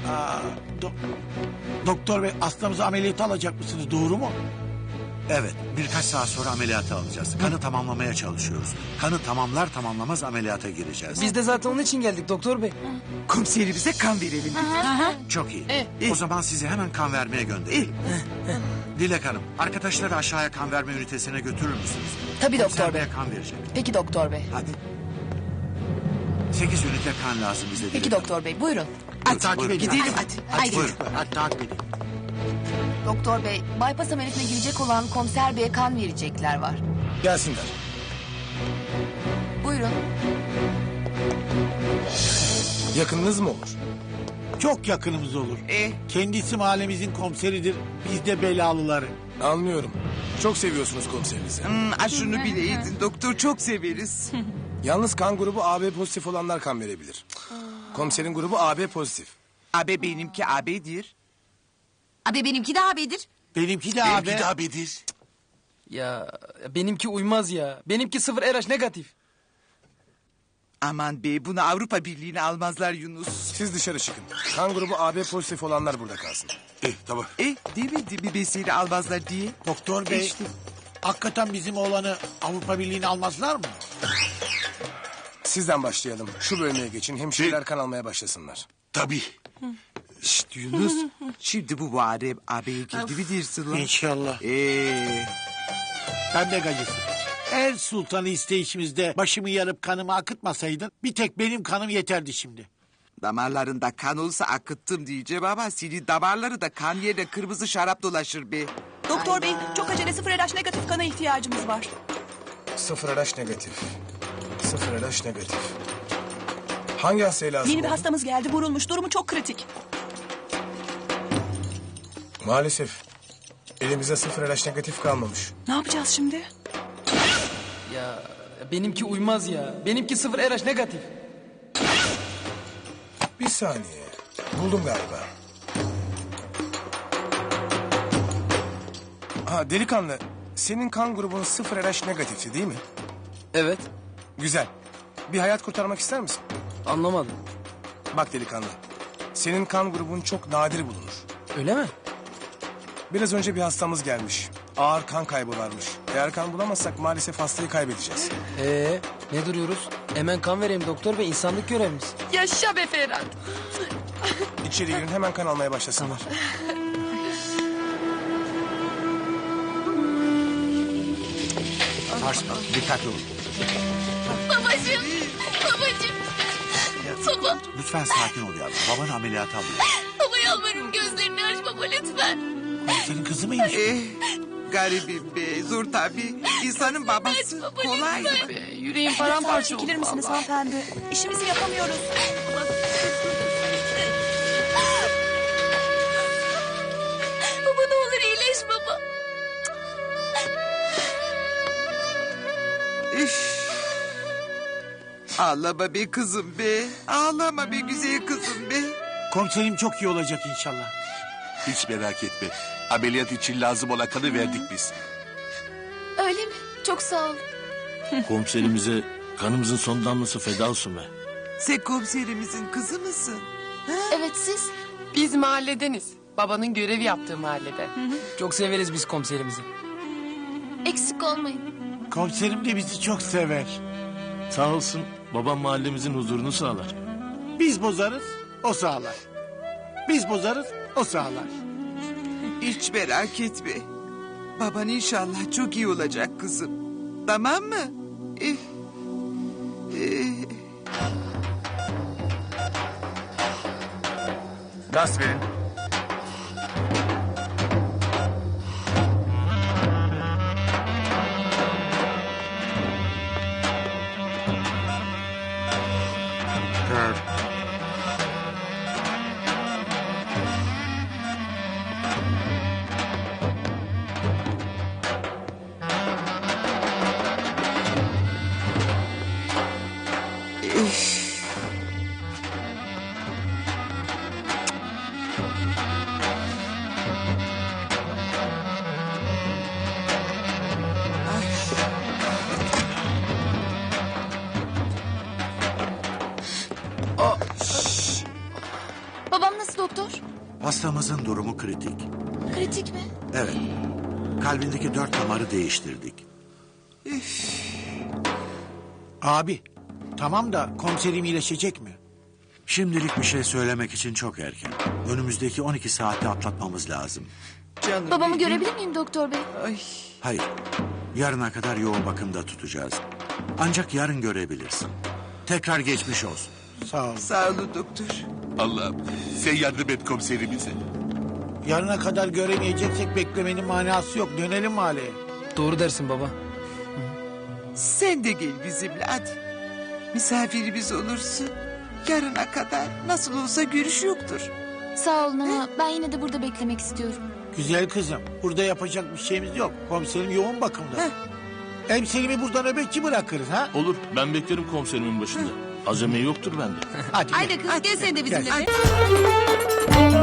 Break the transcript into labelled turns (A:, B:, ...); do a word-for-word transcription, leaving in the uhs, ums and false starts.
A: Aa, do- doktor bey, hastamızı ameliyata alacak mısınız, doğru mu?
B: Evet, birkaç saat sonra ameliyata alacağız. Kanı tamamlamaya çalışıyoruz. Kanı tamamlar tamamlamaz ameliyata gireceğiz.
C: Biz de zaten onun için geldik doktor bey.
D: Komiserimize kan verelim.
B: Çok iyi.
D: Eh.
B: O zaman sizi hemen kan vermeye gönderelim. Dilek Hanım, arkadaşları aşağıya kan verme ünitesine götürür müsünüz?
E: Tabii doktor
B: Komiser
E: bey.
B: Bey'e kan verecek.
E: Peki doktor bey.
B: Hadi. Sekiz ünite kan lazım bize Dilek
E: Peki
B: Hanım.
E: doktor bey, buyurun.
A: Hadi, takip
B: buyurun.
A: edin.
D: Gidelim
A: Hadi,
D: hadi.
A: hadi,
D: Haydi.
A: buyurun. Hadi takip edin.
E: Doktor bey, bypass ameliyatına girecek olan komiser beye kan verecekler var.
F: Gelsinler.
E: Buyurun.
F: Yakınınız mı olur?
A: Çok yakınımız olur.
D: Eh.
A: Kendisi mahallemizin komiseridir. Biz de belalıları.
F: Anlıyorum. Çok seviyorsunuz komiserinizi.
D: Hmm, a şunu bileydin doktor, çok severiz.
F: Yalnız kan grubu A B pozitif olanlar kan verebilir. Komiserin grubu A B pozitif.
D: Abi benimki abidir.
G: Abi benimki de abidir.
A: Benimki de abi.
B: abidir.
C: Ya benimki uymaz ya. Benimki sıfır R H negatif.
D: Aman be, bunu Avrupa Birliği'ne almazlar Yunus.
F: Siz dışarı çıkın. Kan grubu A B pozitif olanlar burada kalsın.
B: Eh, tamam.
D: Eh, demedim mi ben seni almazlar diye?
A: Doktor bey,
D: İşte.
A: hakikaten bizim oğlanı Avrupa Birliği'ne almazlar mı?
F: Sizden başlayalım. Şu bölmeye geçin. Hemşireler kan almaya başlasınlar.
B: Tabii.
D: Şşt Yunus, şimdi bu Muharrem abiye girdi mi dersin lan?
A: İnşallah.
D: Eee...
A: Ben de gacısın. Her sultanı isteyişimizde başımı yarıp kanımı akıtmasaydın... ...bir tek benim kanım yeterdi şimdi.
D: Damarlarında kan olsa akıttım diyeceğim ama senin damarları da kan yerine kırmızı şarap dolaşır be.
H: Doktor bey, çok acele sıfır R H negatif kana ihtiyacımız var.
F: Sıfır R H negatif. Sıfır R H negatif. Hangi hastaya lazım
H: Yeni bir
F: oldu?
H: hastamız geldi, vurulmuş. Durumu çok kritik.
F: Maalesef. Elimizde sıfır R H negatif kalmamış.
H: Ne yapacağız şimdi?
C: Ya benimki uymaz ya. Benimki sıfır R H negatif.
F: Bir saniye. Buldum galiba. Ha delikanlı. Senin kan grubun sıfır R H negatifti değil mi?
C: Evet.
F: Güzel. Bir hayat kurtarmak ister misin?
C: Anlamadım.
F: Bak delikanlı. Senin kan grubun çok nadir bulunur.
C: Öyle mi?
F: Biraz önce bir hastamız gelmiş. Ağır kan kaybı varmış. Eğer kan bulamazsak maalesef hastayı kaybedeceğiz.
C: Ee, ne duruyoruz? Hemen kan vereyim doktor bey, insanlık görevimiz.
G: Yaşa be Ferhat.
F: İçeri girin hemen kan almaya başlasınlar.
B: Sarsma, dikkatli olun.
G: Babacığım. Babacığım. Baba.
B: Lütfen sakin ol yavrum. Babanı ameliyata alıyor.
G: Baba yalvarırım, gözlerini aç baba lütfen.
A: Senin kızı mıymış?
D: Eh, garibim be, zor tabii. İnsanın babası
G: baba,
D: kolay mı?
G: Yüreğim
H: Lütfen
G: paramparça
H: çekilir
G: oldu
H: misiniz
G: vallahi.
H: hanımefendi? İşimizi yapamıyoruz.
G: Baba ne olur iyileş baba.
D: İş. Ağlama be kızım be. Ağlama be güzel kızım be.
A: Komiserim çok iyi olacak inşallah.
I: Hiç merak etme. Ameliyat için lazım olan kanı verdik biz.
G: Öyle mi? Çok sağ ol.
I: Komiserimize kanımızın son damlası feda olsun be.
D: Sen komiserimizin kızı mısın?
G: Evet siz?
J: Biz mahalledeniz. Babanın görev yaptığı mahallede.
C: Çok severiz biz komiserimizi.
G: Eksik olmayın.
A: Komiserim de bizi çok sever.
I: Sağ olsun babam mahallemizin huzurunu sağlar.
A: Biz bozarız, o sağlar. Biz bozarız, o sağlar.
D: Hiç merak etme. Baban inşallah çok iyi olacak kızım. Tamam mı? Eh. Eh.
F: Gaz verin.
E: Babam nasıl doktor?
B: Hastamızın durumu kritik.
E: Kritik mi?
B: Evet. Kalbindeki dört damarı değiştirdik.
A: Abi tamam da komiserim iyileşecek mi?
B: Şimdilik bir şey söylemek için çok erken. Önümüzdeki on iki saati atlatmamız lazım.
D: Canım
E: Babamı
D: benim.
E: görebilir miyim doktor bey?
D: Ay.
B: Hayır. Yarına kadar yoğun bakımda tutacağız. Ancak yarın görebilirsin. Tekrar geçmiş olsun.
A: Sağ ol.
D: Sağ olun doktor.
I: Allah'ım sen yardım et komiserimize.
A: Yarına kadar göremeyeceksek beklemenin manası yok. Dönelim mahalleye.
C: Doğru dersin baba.
D: Sen de gel bizimle hadi. Misafirimiz olursun. Yarına kadar nasıl olsa görüş yoktur.
E: Sağ olun ama ben yine de burada beklemek istiyorum.
A: Güzel kızım. Burada yapacak bir şeyimiz yok. Komiserim yoğun bakımda.
D: Heh.
A: Hem Selim'i burada nöbetçi bırakırız ha?
K: Olur, ben beklerim komiserimin başında. Azami yoktur bende.
A: Hadi.
H: Haydi kız gel sen de bizimle.
A: Gel.
H: be.